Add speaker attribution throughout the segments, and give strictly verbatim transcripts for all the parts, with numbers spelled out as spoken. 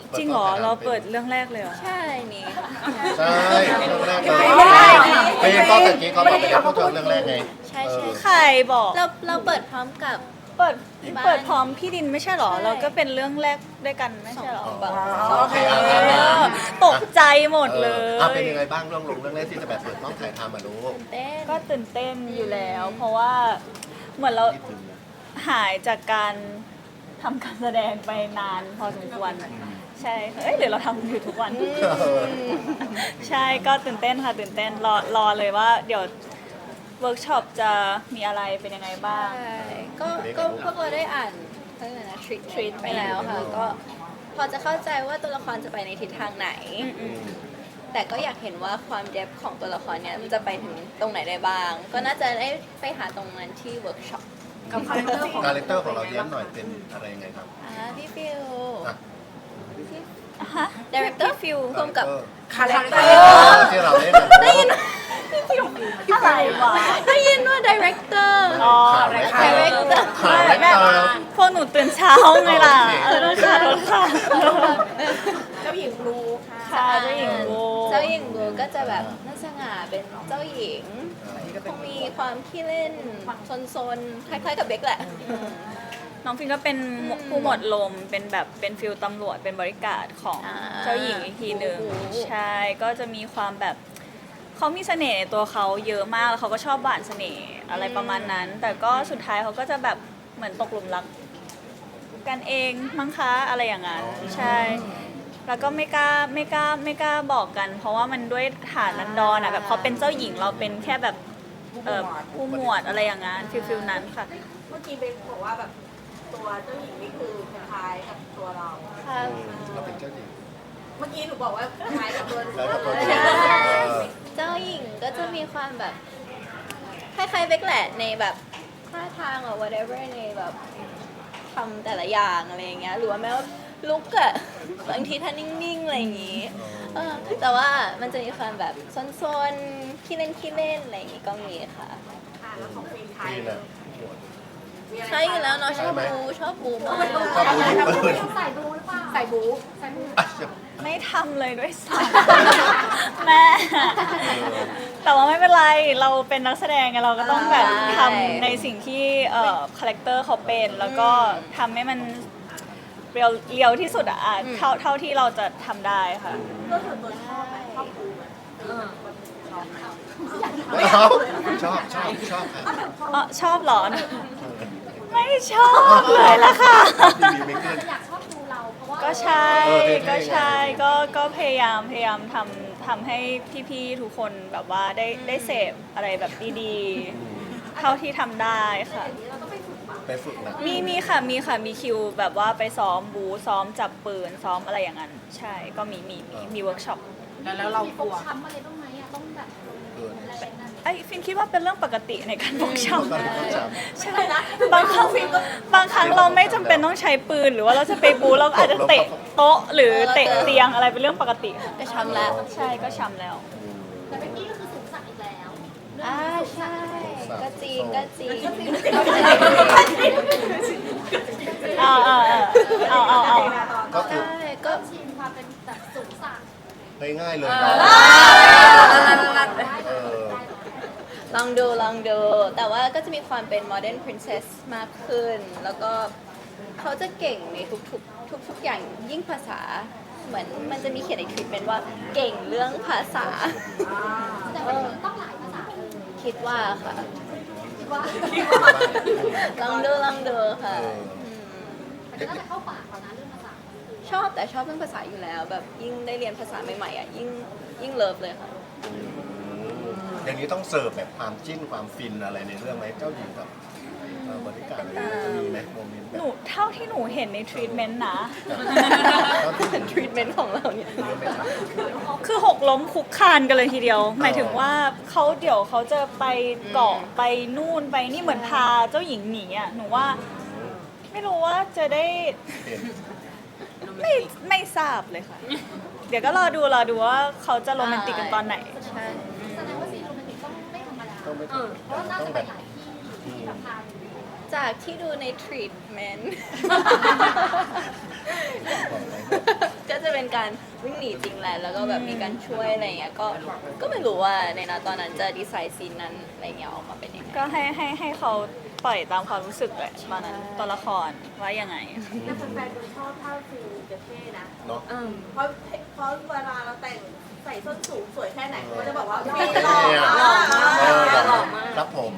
Speaker 1: จริงเหรอเราเปิดเรื่องแรกเลยเหรอ
Speaker 2: ใช่นี่ค่ะ
Speaker 3: ใช่เรื่องแรกเลยเพลงก็ตะกี้เขาบอกไปแล้วพูดถึงเรื่องแรกไง
Speaker 2: ใช่ใช่
Speaker 1: ใครบอก
Speaker 2: เราเราเปิดพร้อมกับ
Speaker 1: เปิด
Speaker 2: บ้าน
Speaker 1: เปิดพร้อมพี่ดินไม่ใช่เหรอ
Speaker 2: ใช่
Speaker 1: เราก็เป็นเรื่องแรกด้วยกันไม่ใช่เหรอ
Speaker 2: สองแบบ
Speaker 3: โอเคอ่ะ
Speaker 1: เอ
Speaker 3: อ่ะอ่ะ
Speaker 1: อตกใจหมดเล
Speaker 3: ออย อ่ะเป็นยังไงบ้างเรื่องลงเรื่องแรกที่จะแบบเปิดต้องถ่ายทำมารู้
Speaker 2: เต้น
Speaker 1: ก็ตื่นเต้นอยู่แล้ว เพราะว่าเหมือนเราหายจากการทำการแสดงไปนานพอสมควรใช่เอ้ยหรือเราทำอยู่ทุกวัน ใช่ก็ตื่นเต้นค่ะตื่นเต้นรอรอเลยว่าเดี๋ยวเวิร์กช็อปจะมีอะไรเป็นยังไงบ้าง
Speaker 2: ใช่ก็ก็พวกเราได้อ่านเรื่องอะไรนะทริทริไปแล้วค่ะ ก็พอจะเข้าใจว่าตัวละครจะไปในทิศทางไหน แต่ก็อยากเห็นว่าความเดฟของตัวละครเนี่ยมันจะไปถึงตรงไหนได้บ้าง ก็น่าจะได้ไปหาตรงนั้นที่เวิร์กช็อป
Speaker 4: กับคาแรคเตอร์ของ
Speaker 3: คาแรคเตอร์ของเราเย้มหน่อยเป็นอะไรยังไงครับ
Speaker 2: อ่าพี่ฟิว
Speaker 3: อ่ะ
Speaker 1: ฮะ
Speaker 2: ดีเรคเตอร์ฟิวร่วมกับ
Speaker 4: คาแรคเตอ
Speaker 3: เอ
Speaker 4: ร์
Speaker 3: อที่เราเล่น
Speaker 2: ได้ยิน
Speaker 1: อะไรวะ
Speaker 2: ได้ยินว่าดีเรคเตอร์
Speaker 1: อ๋อ
Speaker 3: คาแรคเตอร์คาแรค
Speaker 1: แม่
Speaker 3: เตอร์
Speaker 1: พวกหนูตื่นเช้าไงล่ะเออค่ะรถค่ะ
Speaker 4: เจ้าหญิงรูค่ะ
Speaker 1: ค่ะเจ้าหญิงโบ
Speaker 2: เจ้าหญิงบูก็จะแบบน่าสง่าเป็นเจ้าหญิงคงมีความขี้เล่นซนๆคล้ายๆกับเบคแหละ
Speaker 1: น้องฟินก็เป็นผู้หมวดลมเป็นแบบเป็นฟิลตำรวจเป็นบริการดของ
Speaker 2: อ่า
Speaker 1: เจ้าหญิงอีกทีหนึ่ง
Speaker 2: โอ้โห
Speaker 1: ใช่ก็จะมีความแบบเขามีเสน่ห์ในตัวเขาเยอะมากแล้วเขาก็ชอบหวานเสน่ห์อะไรประมาณนั้น แต่ก็สุดท้ายเขาก็จะแบบเหมือนตกหลุมรักกันเองมั้งคะอะไรอย่างนั้นใช่ แล้วก็ไม่กล้าไม่กล้าไม่กล้าบอกกัน เพราะว่ามันด้วยฐานนันดรอ่ะแบบเขาเป็นเจ้าหญิงเราเป็นแค่แบบเอ่อผู้หมวดอะไรอย่างนั้นฟิลฟิลนั้นค่ะ
Speaker 4: เมื่อกี้เบนบอกว่าแบบตัวเจ้าหญิงนี่คือคล้ายกับตัวเรา
Speaker 2: ค่ะ
Speaker 3: เราเป็นเจ้าหญิง
Speaker 4: เมื่อกี้หนูบอกว่าคล้ายกับตัว
Speaker 3: แล้วก็ตัว
Speaker 2: ใช่
Speaker 3: เออ
Speaker 2: เจ้าหญิงก็จะมีความแบบคล้ายๆเบคแหละในแบบท่าทางหรือ whatever ในแบบทำแต่ละอย่างอะไรอย่างเงี้ยหรือว่าแม้ว่าลุกอะบางทีท่านิ่งๆอะไรอย่างงี้เออแต่ว่ามันจะมีความแบบซนๆขี้เล่นขี้เล่นอะไรอย่างงี้ก็มีค่ะ
Speaker 4: อ่าแล้วของฟิล์มไทย
Speaker 3: นี่แหละหมวด
Speaker 4: มีอะไร
Speaker 2: ใช่อยู่แล้วเนาะชอบบูชอบบูมาก
Speaker 3: ชอบดูยิงปืน
Speaker 4: ใส่บูหรือเปล่าใส่บูใส่บู
Speaker 3: อ่ะ
Speaker 1: ไม่ทำเลยด้วยซ้ำ แม่ แต่ว่าไม่เป็นไร เราเป็นนักแสดงไงเราก็ต้องแบบทำในสิ่งที่เอ่อคาแรคเตอร์เขาเป็น แล้วก็ทำให้มันเรียวเรียวที่สุดอะอ่ะเท่าเท่าที่เราจะทำได้ค่ะ
Speaker 4: ก็ส่วนตัวชอบไหมชอบบูไหมเออชอบไหม
Speaker 3: ชอบชอบชอบค่ะ
Speaker 1: อ๋อชอบเหรอ ไม่ชอบเลยละค่ะ
Speaker 3: ทีวีไม่ขึ้น
Speaker 4: อยากชอบดูเราเพราะว่า
Speaker 1: ก็ใช่
Speaker 3: เออเท่ๆ
Speaker 1: ก็ใช่ก็ก็พยายามพยายามทำทำให้พี่ๆทุกคนแบบว่าได้ได้เสพอะไรแบบดีๆ เท่าที่ทำได้ค่ะ
Speaker 4: เราต้องไปฝึกปะ
Speaker 3: ไปฝึกหนัก
Speaker 1: มีมีค่ะมีค่ะมีคิวแบบว่าไปซ้อมบูซ้อมจับปืนซ้อมอะไรอย่างนั้น ใช่ก็มีมีมีมีเวิร์กช็อป
Speaker 5: แล้วเรากลัว
Speaker 4: ช้ำอะไรบ้างไหมอ่ะต้องแบบ
Speaker 3: เออ
Speaker 4: อะไรนั่น
Speaker 1: ไอ้ฟินคิดว่าเป็นเรื่องปกติในการบอกช้
Speaker 3: ตอนนี้ก็จ
Speaker 1: ำใช่บางครั้งบางครั้งเราไม่จำเป็นต้องใช้ปืนหรือว่าเราจะไปบูเราก็อาจจะเตะโต๊ะหรือเตะเตียงอะไรเป็นเรื่องปกติค่ะ
Speaker 2: ไปช้ำแล้ว
Speaker 1: ใช่ก็ช้ำแล้ว
Speaker 4: แต่เมื่อกี้ก็คือสูงสักอีกแล้ว
Speaker 2: อ่าใช่ ก็จริงก็จริง
Speaker 1: เอาเอาเอาเอาเอา
Speaker 3: ำก็คือ
Speaker 2: ใช่ก็
Speaker 4: ชิมความเป็นแบบสูงสัก
Speaker 3: ง่ายๆเลยเนาะเออ
Speaker 2: ลองดูลองดู แต่ว่าก็จะมีความเป็น modern princess มากขึ้น แล้วก็เขาจะเก่งในทุกๆ ทุกๆ อย่างยิ่งภาษา เหมือนมันจะมีเขียนในทริปเป็นว่าเก่งเรื่องภาษา
Speaker 4: แต่ว่าต้องหลายภาษาเลย
Speaker 2: คิดว่าค่ะ
Speaker 4: คิดว่า
Speaker 2: ลองดูลองดูค่ะ
Speaker 3: เออ
Speaker 2: ม
Speaker 4: แต่ก็จะเข้าปากเรานะเรื่องภาษา
Speaker 2: ชอบแต่ชอบเรื่องภาษาอยู่แล้ว แบบยิ่งได้เรียนภาษาใหม่ๆอ่ะยิ่งยิ่งเลิฟเลยค่ะ
Speaker 3: อย่างนี้ต้องเสิร์ฟแบบความจิ้นความฟินอะไรในเรื่องไหมเจ้าหญิงกับเอ่อบริการอะไรอย่างเงี้ยจะมีไหมโมเมนต์แบ
Speaker 1: ห
Speaker 3: บ
Speaker 1: นูเท่าที่หนูเห็นในทรีทเมนต์นะ
Speaker 2: ทรีทเมนต์ของเราเนี่ย
Speaker 3: เยอะไหมครับ
Speaker 1: คือหกล้มคุกคานกันเลยทีเดียว หมายถึงว่าเขาเดี๋ยวเขาจะไปเกาะไปนู่นไปนี่เหมือนพาเจ้าหญิงหนีอ่ะหนูว่าไม่รู้ว่าจะได้
Speaker 3: เห็น
Speaker 1: ไม่ไม่ทราบเลยค่ะ เดี๋ยวก็รอดูรอดูว่าเขาจะโรแมนติกกันตอนไหน
Speaker 2: ใช่
Speaker 4: แสดงว่าซีนโรแมนติกต้องไม่ธรรมดา
Speaker 3: ต้องไม่
Speaker 4: เพราะว่าน่า
Speaker 3: ต้อ
Speaker 4: จะ
Speaker 3: ง
Speaker 4: ไป
Speaker 3: แบบ
Speaker 4: หลายที่ที่แบบพา
Speaker 2: จากที่ดูใน treatment
Speaker 3: บอกไหม
Speaker 2: ก็จะเป็นการวิ่งหนีจริงแหละ แล้วก็แบบมีการช่วยอะไรเงี้ย ก็ ก็ไม่รู้ว่าในนาตอนนั้นจะดีไซน์ซีนนั้นอะไรเงี้ยออกมาเป็นยังไง
Speaker 1: ก็ให้ให้ให้เขาปล่อยตามความรู้สึกแหละตอนนั้นตัวละครว่ายังไง
Speaker 4: แต่แฟนๆดูชอบท่าฟิลจะเท่นะ
Speaker 3: เนาะ
Speaker 2: อืม
Speaker 4: เพราะเพราะเวลาเราแต่งใส่ส้นสูงสวยแค่ไหนเขาจะบอกว่า
Speaker 3: เอ
Speaker 4: ฟิลหล่อ
Speaker 3: อ
Speaker 4: มาก
Speaker 3: เออ
Speaker 2: หล่อมาก
Speaker 3: ครับผม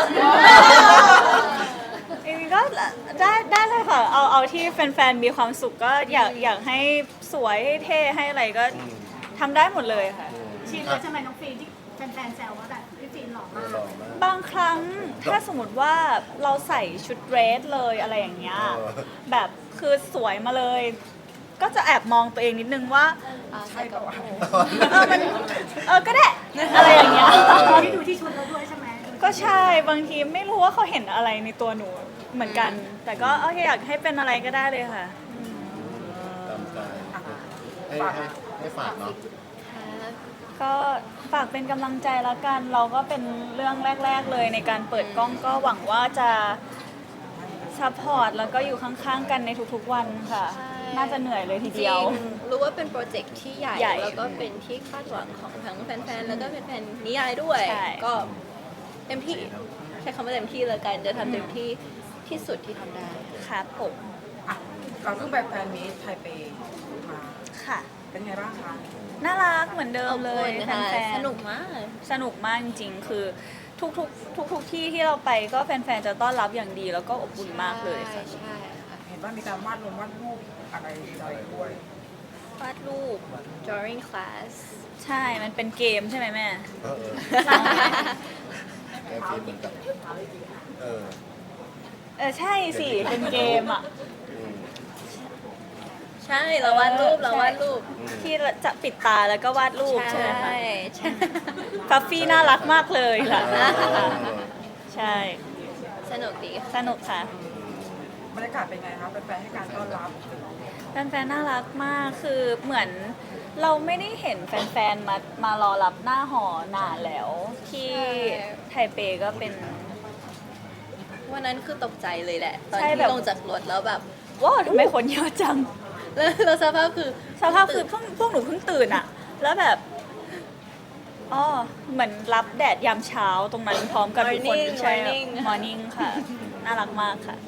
Speaker 1: จริงๆก็ได้ได้เลยค่ะ เอาเอาที่แฟนๆมีความสุขก็อยากอยากให้สวยให้เท่ให้อะไรก็
Speaker 3: อืม
Speaker 1: ทำได้หมดเลยค่ะ
Speaker 5: ชินแล้วใช่ไหมน้องฟีนที่แฟนๆแซวว่าแบบพี่ฟีนหล่อ
Speaker 3: เอ
Speaker 5: มา
Speaker 3: อก หล่อมาก
Speaker 1: บางครั้งถ้าสมมติว่าเราใส่ชุดเดรสเลยอะไรอย่างเงี้ย
Speaker 3: เออ
Speaker 1: แบบคือสวยมาเลย ก็จะแอบมองตัวเองนิดนึงว่า
Speaker 2: อ่าใช่กับโอ้
Speaker 1: เออมันเออก็ได้อะไรอย่างเงี้ย
Speaker 5: ที่ดูที่ชุดเราด้วยใช่ไหม
Speaker 1: ก็ใช่บางทีไม่รู้ว่าเขาเห็นอะไรในตัวหนูเหมือนกัน แต่ก็โอเคอยากให้เป็นอะไรก็ได้เลยค่ะ
Speaker 3: ตามใจให้ให้ให้ฝากเนาะ
Speaker 1: ก็ฝากเป็นกำลังใจแล้วกัน เราก็เป็นเรื่องแรก ๆ เลยในการเปิดกล้องก็หวังว่าจะซัพพอร์ตแล้วก็อยู่ข้างๆกันในทุกๆวันค่ะ น่าจะเหนื่อยเลยที
Speaker 2: จ
Speaker 1: เดี
Speaker 2: ริ
Speaker 1: ยว
Speaker 2: งรู้ว่าเป็นโปรเจกต์ที่ใหญ่
Speaker 1: ใหญ่
Speaker 2: แล้วก็เป็นที่คาดหวังของทั้งแฟนๆ แล้วก็แฟนๆ นิยายด้วย
Speaker 1: ใช่
Speaker 2: ก็เต็มที่ ใช้คำว่าเต็มที่เลยกันจะทำเต็มที่ที่สุดที่ทำได้
Speaker 1: ครับผม
Speaker 6: อ่ะเราเพิ่งไปแฟนมีตไทเปมา
Speaker 1: ค่ะ
Speaker 6: เป็นไงบ้างคะ
Speaker 1: น่ารักเหมือนเดิมเลย
Speaker 2: อบอุ่น
Speaker 1: แฟ
Speaker 2: ค่ะ
Speaker 1: นๆ
Speaker 2: สนุกมาก
Speaker 1: สนุกมากจริงๆ คือทุกๆทุกๆที่ที่เราไปก็แฟนๆ จะต้อนรับอย่างดีแล้วก็อบอุ่นมากเลยค่ะ
Speaker 2: ใช่ค่ะ
Speaker 6: เห็นว่ามีการวาดลงวาดรูปอะไรอะไรด้วย
Speaker 1: วาดรูป
Speaker 2: drawing class
Speaker 1: ใช่ มันเป็นเกมใช่ไหมแม่
Speaker 3: เออเออแกฟินเหมือนกันเออ
Speaker 1: เออ ใช่สิ เป็นเกมอ่ะ
Speaker 3: อืม
Speaker 2: ใช่เราวาดรูปเราวาดรูป
Speaker 1: ที่จะปิดตาแล้วก็วาดรูปใช่ไหมคะ
Speaker 2: ใช่
Speaker 1: ฟัฟฟี่น่ารักมากเลยค่ะ
Speaker 3: เออ
Speaker 1: ใช่
Speaker 2: สนุกดี
Speaker 1: สนุกค่ะ
Speaker 6: บรรยากาศเป็นไงคะแฟนๆให้การต้อนรับ
Speaker 1: แฟนๆ น่ารักมาก คือเหมือนเราไม่ได้เห็นแฟนๆ มามารอรับหน้าหอนานแล้ว ที่ไทเปก็เป็น
Speaker 2: วันนั้นคือตกใจเลยแหละ ตอน
Speaker 1: ใช่
Speaker 2: ที่
Speaker 1: แบบ
Speaker 2: ลงจากรถแล้วแบบ
Speaker 1: ว้าวทำไมคนเยอะจัง
Speaker 2: แล้วแล้วสภาพคือ
Speaker 1: สภาพคือพวกพวกหนูเพิ่งตื่นอะแล้วแบบ อ๋อ เหมือนรับแดดยามเช้าตรงนั้นพร้อมกันทุกคน
Speaker 2: Morning
Speaker 1: ใช่
Speaker 2: Morning
Speaker 1: มอร์นิ่งค่ะ น่ารักมากค่ะ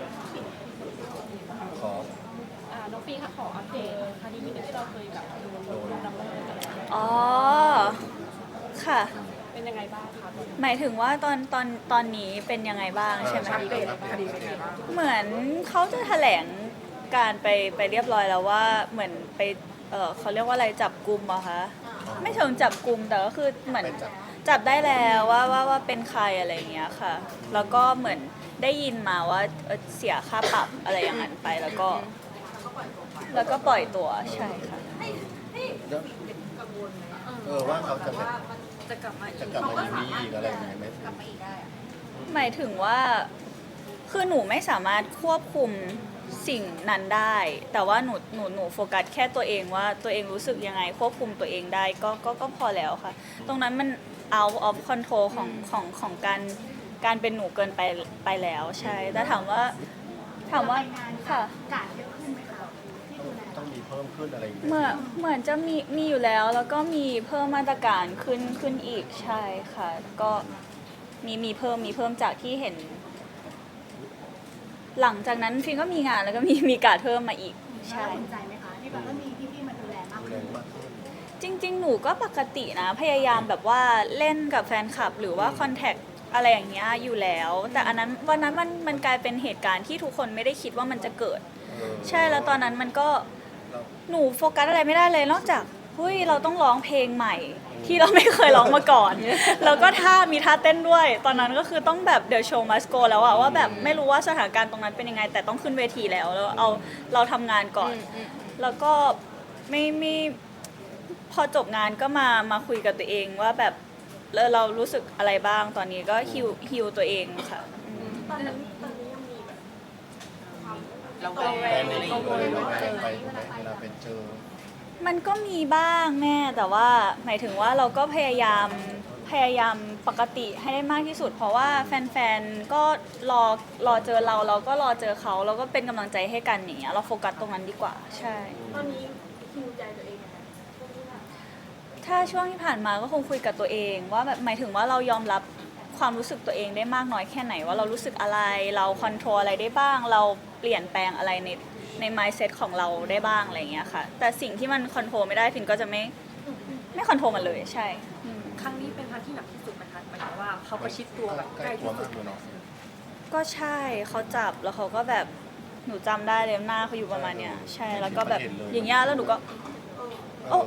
Speaker 3: ขอ
Speaker 5: น้องฟีนค่ะขออัปเดตคดีนี้ที่เราเคยแบบดู
Speaker 3: โดน
Speaker 5: ดำเนินกัน
Speaker 1: อ๋อ ค่ะ
Speaker 5: เป็นยังไงบ้างคะ
Speaker 1: หมายถึงว่าตอนตอนตอนนี้เป็นยังไงบ้างใช่ไหม
Speaker 6: อัปเดตคดีเป็นไงบ้าง
Speaker 1: เหมือนเขาจะแถลงการไปไปเรียบร้อยแล้วว่าเหมือนไปเออเขาเรียกว่าอะไรจับกลุ่มอะคะไม่เชิงจับกลุ่มแต่ก็คือเหมือน
Speaker 3: ไปจับ
Speaker 1: จับได้แล้วว่าว่าว่าเป็นใครอะไรอย่างเงี้ยค่ะ แล้วก็เหมือนได้ยินมาว่าเอ่อเสียค่าปรับอะไรอย่างนั้นไปแล้วก็ แล้วก็ปล่อยตัวใช่ค่ะ
Speaker 3: แล้วเออว่าเขาจะแบบ
Speaker 2: จะกลับมาอีก
Speaker 3: จะกลับมาอยู่นี่อีกอะไรอย่างเงี้ยไหม
Speaker 1: หมายถึงว่าคือหนูไม่สามารถควบคุมสิ่งนั้นได้ แต่ว่าหนูหนูหนูโฟกัสแค่ตัวเองว่าตัวเองรู้สึกยังไงควบคุมตัวเองได้ก็ก็ก็พอแล้วค่ะ ตรงนั้นมัน out of control ของของของการการเป็นหนูเกินไปไปแล้วใช่แต่ถามว่าถามว่าค่ะ
Speaker 5: กาดเยอะขึ้นไหมคะที่ดูแล
Speaker 3: ต้องมีเพิ่มขึ้นอะไรอย่างเงี้ย
Speaker 1: เหมือนเหมือนจะมีมีอยู่แล้ว แล้วก็มีเพิ่มมาตรการขึ้นขึ้นอีกใช่ค่ะ ก็มีมีเพิ่มมีเพิ่มจากที่เห็น หลังจากนั้นฟินก็มีงานแล้วก็มีมีการดเพิ่มมาอีกใช่
Speaker 5: น่าสนใจไหมคะที่แบบว่ามีพี่ๆมาดูแลมาก
Speaker 3: ดูแล
Speaker 5: ขึ้น
Speaker 3: มากขึ้น
Speaker 1: จริง ๆ หนูก็ปกตินะ พยายามแบบว่าเล่นกับแฟนคลับ หรือว่าคอนแทคอะไรอย่างเงี้ยอยู่แล้ว แต่อันนั้นวันนั้นมันมันกลายเป็นเหตุการณ์ที่ทุกคนไม่ได้คิดว่ามันจะเกิด
Speaker 3: เออ
Speaker 1: ใช่แล้วตอนนั้นมันก็
Speaker 3: เรา
Speaker 1: หนูโฟกัสอะไรไม่ได้เลยนอกจากเฮ้ยเราต้องร้องเพลงใหม่ ที่เราไม่เคยร้องมาก่อน แล้วก็ท่ามีท่าเต้นด้วย ตอนนั้นก็คือต้องแบบเด e s โชว์มัสโกแล้วอะว่าแบบไม่รู้ว่าสถานการณ์ตรงนั้นเป็นยังไง แต่ต้องขึ้นเวทีแล้วแล้วเอาเราทำงานก่อน แล้วก็ไม่ไม่พอจบงานก็มามาคุยกับตัวเองว่าแบบเออเรารู้สึกอะไรบ้างตอนนี้ก็ฮิวฮิวตัวเองค่ะ
Speaker 4: ตอนนั้นตอนนี้ยังมีแบบความ
Speaker 6: เรา
Speaker 4: กังว
Speaker 3: แฟ
Speaker 4: ล
Speaker 3: นเด็กเลยเวลาไปเวลาไปเจอ
Speaker 1: มันก็มีบ้างแม่แต่ว่าหมายถึงว่าเราก็พยายามพพยายามปกติให้ได้มากที่สุด เพราะว่าแฟนๆก็รอรอเจอเราเราก็รอเจอเขาแล้วก็เป็นกำลังใจให้กันอย่างเงี้ยเราโฟกัสตรงนั้นดีกว่า ใช่
Speaker 4: ตอนนี้คิวใจตัวเองยังไง
Speaker 1: ถ้าช่วงที่ผ่านมาก็คงคุยกับตัวเองว่าแบบหมายถึงว่าเรายอมรับความรู้สึกตัวเองได้มากน้อยแค่ไหนว่าเรารู้สึกอะไรเราคอนโทรลอะไรได้บ้าง เราเปลี่ยนแปลงอะไรในใน mindset ของเราได้บ้างอะไรอย่างเงี้ยค่ะ แต่สิ่งที่มันคอนโทรลไม่ได้ฟินก็จะไม่ไม่คอนโทรลมันเลยใช่อืม
Speaker 5: ครั้งนี้เป็นครั้งที่หนักที่สุดไหมคะหมายถึงว่าเขาประชิดตัวแบบ
Speaker 3: ใก
Speaker 5: ใก
Speaker 3: ล้
Speaker 5: ล้
Speaker 3: ตัว
Speaker 5: ที่สุ
Speaker 3: มา
Speaker 5: ด
Speaker 3: กเลยเนาะ
Speaker 1: ก็ใช่เขาจับแล้วเขาก็แบบหนูจำได้เลยหน้าเขาอยู่ประมาณเนี้ยใช่แล้วก็แบบอย่างเงี้ยแล้วหนูก็
Speaker 3: เออ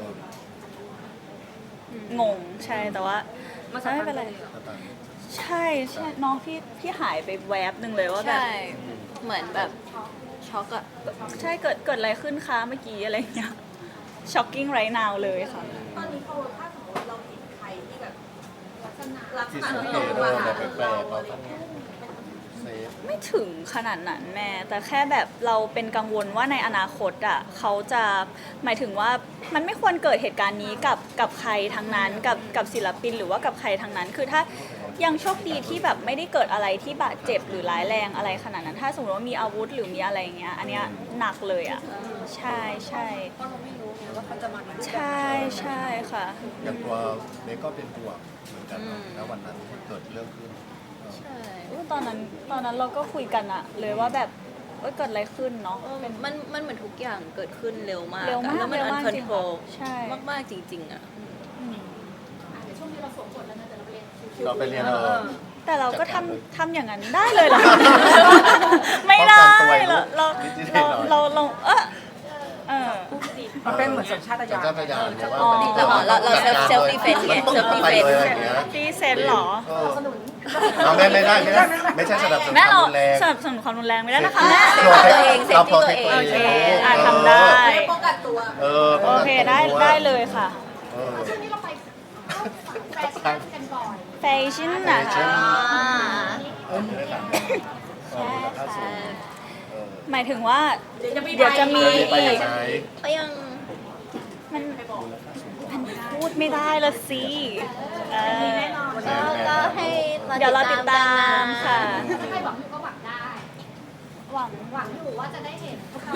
Speaker 1: งงใช่แต่ว่า
Speaker 5: มาสัก
Speaker 1: ไม่
Speaker 5: พั
Speaker 1: เป็น
Speaker 5: ก
Speaker 1: ไร
Speaker 5: เลยเหรอ
Speaker 3: ต่าง
Speaker 1: ใช่ใช่น้องพี่พี่หายไปแวบหนึ่งเลยว่าแบบ
Speaker 2: ใช่ เหมือนแบบช็อกอะ
Speaker 1: ใช่เกิดเกิดอะไรขึ้นคะเมื่อกี้อะไรเงี้ย shocking right now เลยค่ะ
Speaker 4: ตอนนี้พอถ้าสมมติเราเห็นใครที่แบบลักษณะลักษ
Speaker 3: ที่
Speaker 4: ณะ
Speaker 3: สัง
Speaker 4: ที่
Speaker 3: เก
Speaker 4: เรา
Speaker 3: ต
Speaker 4: มา
Speaker 3: เออ
Speaker 4: หา
Speaker 3: แบบแปล
Speaker 4: เรา
Speaker 3: กๆเรา
Speaker 4: อะไร
Speaker 3: ต้อง
Speaker 4: เงี้ย
Speaker 3: เซฟ
Speaker 1: ไม่ถึงขนาดนั้นแม่ แต่แค่แบบเราเป็นกังวลว่าในอนาคตอ่ะเขาจะหมายถึงว่ามันไม่ควรเกิดเหตุการณ์นี้กับกับใครทั้งนั้นกับกับศิลปินหรือว่ากับใครทั้งนั้น คือถ้ายังโชคดีที่แบบไม่ได้เกิดอะไรที่บาดเจ็บหรือร้ายแรงอะไรขนาดนั้น ถ้าสมมติว่ามีอาวุธหรือมีอะไรอย่างเงี้ยอันเนี้ยหนักเลยอ่ะใช่ใช่
Speaker 5: เพราะเราไม่รู้ไงว่าเขาจะมาในรูปแบบ
Speaker 1: ใช่ใช่ค่ะ
Speaker 3: อย่างตัวเมย์ก็เป็นห่วงเหมือนกันเนอะแล้ววันนั้นที่เกิดเรื่องขึ้นเออ
Speaker 2: ใช่
Speaker 1: อุ๊ยตอนนั้นตอนนั้นเราก็คุยกันอะเลยว่าแบบเอ้ยเกิดอะไรขึ้นเนาะ
Speaker 2: เออ
Speaker 1: เป็น
Speaker 2: มันมันเหมือนทุกอย่างเกิดขึ้นเร็วมาก
Speaker 1: เร็วมาก
Speaker 2: แล้วมัน
Speaker 1: เร็ว
Speaker 2: อัน
Speaker 1: มาก
Speaker 2: คอน
Speaker 1: จริง
Speaker 2: โทรล
Speaker 1: ใช่
Speaker 2: มากๆจริง ๆอะ
Speaker 1: อืม
Speaker 5: ช่วงนี้เราสวมบทแล้วนะแต่เราเรียนคิว
Speaker 3: เราไปเรียนเออ
Speaker 1: แต่เราก็ทำทำอย่างนั้นได้เลยเหรอ ไม่ได้
Speaker 3: ป้องกันตัว
Speaker 1: เราเรา
Speaker 3: นิดๆหน่
Speaker 1: เรา
Speaker 3: อยๆ
Speaker 1: เราเราเออเออ
Speaker 6: มันเป็นเหมือนสัญชาต
Speaker 3: สัญ
Speaker 6: ญาณ
Speaker 3: ชาตญาณเนี่ยว่า
Speaker 1: อ๋อ
Speaker 2: เราเราเรา self self defense ไง
Speaker 3: มัน
Speaker 2: self
Speaker 3: ต้องไปเลยอะไรอย่างเงี้ย
Speaker 1: ดีเซนเหรอ
Speaker 3: เออเราไม่ไม่ได้ไม่ได้ไม่ใช่สนับสนุน
Speaker 1: แม่
Speaker 3: ควา
Speaker 1: เรา
Speaker 3: มรุนแรง
Speaker 1: สนับสนุนความรุนแรงไม่ได้นะคะแม่
Speaker 2: ตัวเองเซฟ
Speaker 3: เรา
Speaker 2: ที่ตัวเอง
Speaker 3: protect
Speaker 1: โอเค
Speaker 3: ตัวเอง
Speaker 1: อ่ะทำได้
Speaker 4: เรียกป้องกันตัว
Speaker 3: เออ
Speaker 1: โอเคได้ได้เลยค่ะ
Speaker 3: เออ
Speaker 5: ช่วงนี้เราไปแฟชั่นกันบ่อย
Speaker 1: แฟชั่นนะ
Speaker 3: แฟชั่
Speaker 1: คะ
Speaker 3: น
Speaker 2: อ่า
Speaker 3: เออไม่ได้ต่างเออมูลค่าสูงเออ
Speaker 1: หมายถึงว่า
Speaker 4: เดี๋ยวจะมี
Speaker 1: เดี๋ยวจะมี
Speaker 3: จะมีไป
Speaker 1: อีก
Speaker 3: ไหน
Speaker 2: ก็ยัง
Speaker 1: มันมันพูดไม่ได้ละสิเออ
Speaker 2: ก็ก็ให้
Speaker 1: เดี๋ยวเราติดตามค่ะ
Speaker 5: ถ้าใครหวังอยู่ก็หวังได้
Speaker 1: หวัง
Speaker 5: หวังอยู่ว่าจะได้เห็นพวกเรา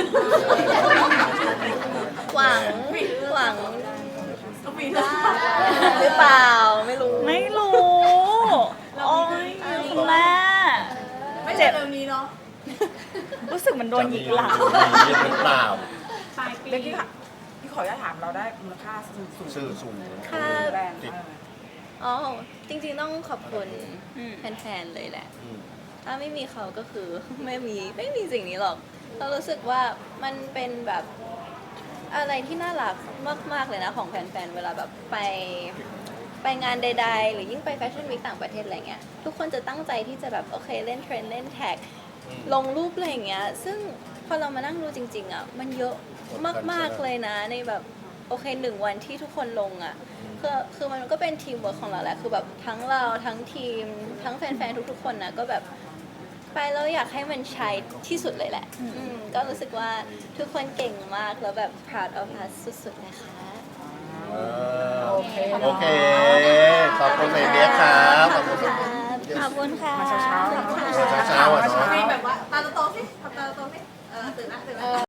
Speaker 2: หวังหวัง
Speaker 4: ต้องมีด้วย
Speaker 2: หรือเปล่าไม่รู้
Speaker 1: ไม่รู้ โอ้ยคุณแม่
Speaker 4: ไม่ใช่เร็วนี้เนาะ
Speaker 1: รู้สึกเหมันโดนหยิกหลัง
Speaker 3: จะมีหรือเปล่า
Speaker 5: ปลายปี
Speaker 6: เมื่อกี้ค่ะพี่ขออนุญาตถามเราได้มูลค่าสูงสูง
Speaker 3: ชื่อสูง
Speaker 2: ค่ะ
Speaker 6: แบรนด์
Speaker 3: ติด
Speaker 2: อ๋อจริงๆต้องขอบคุณ
Speaker 1: อืม
Speaker 2: แฟนๆเลยแหละ
Speaker 3: อืม
Speaker 2: ถ้าไม่มีเขาก็คือ ไม่มีไม่มีสิ่งนี้หรอก เรารู้สึกว่ามันเป็นแบบอะไรที่น่ารักมากๆเลยนะของแฟนๆ เวลาแบบไปไปงานใดๆ หรือยิ่งไปแฟชั่นวีคต่างประเทศอะไรเงี้ย ทุกคนจะตั้งใจที่จะแบบโอเคเล่นเทรนด์เล่นแท็ก ลงรูปอะไรอย่างเงี้ย ซึ่งพอเรามานั่งดูจริงๆอ่ะ มันเยอะมากๆเลยนะในแบบโอเคหนึ่งวันที่ทุกคนลงอ่ะ คือคือมันก็เป็นทีมเวิร์คของเราแหละ คือแบบทั้งเราทั้งทีม ทั้งแฟนๆ ทุกๆ คนนะก็แบบไปแล้วอยากให้มันใช้ที่สุดเลยแหละ อืมก็รู้สึกว่าทุกคนเก่งมากแล้วแบบ proud of us สุดๆนะคะ
Speaker 3: เออ
Speaker 6: โอเค
Speaker 3: โอเค ขอบคุณเมย์เบียร์ครับขอบคุณ
Speaker 1: ขอบคุณค่ะ
Speaker 6: มาเช้าๆ
Speaker 3: เช้าๆอ่ะเนาะ
Speaker 4: มีแบบว่าตาโตๆสิทำตาโตๆสิเออตื่นนะตื่นนะ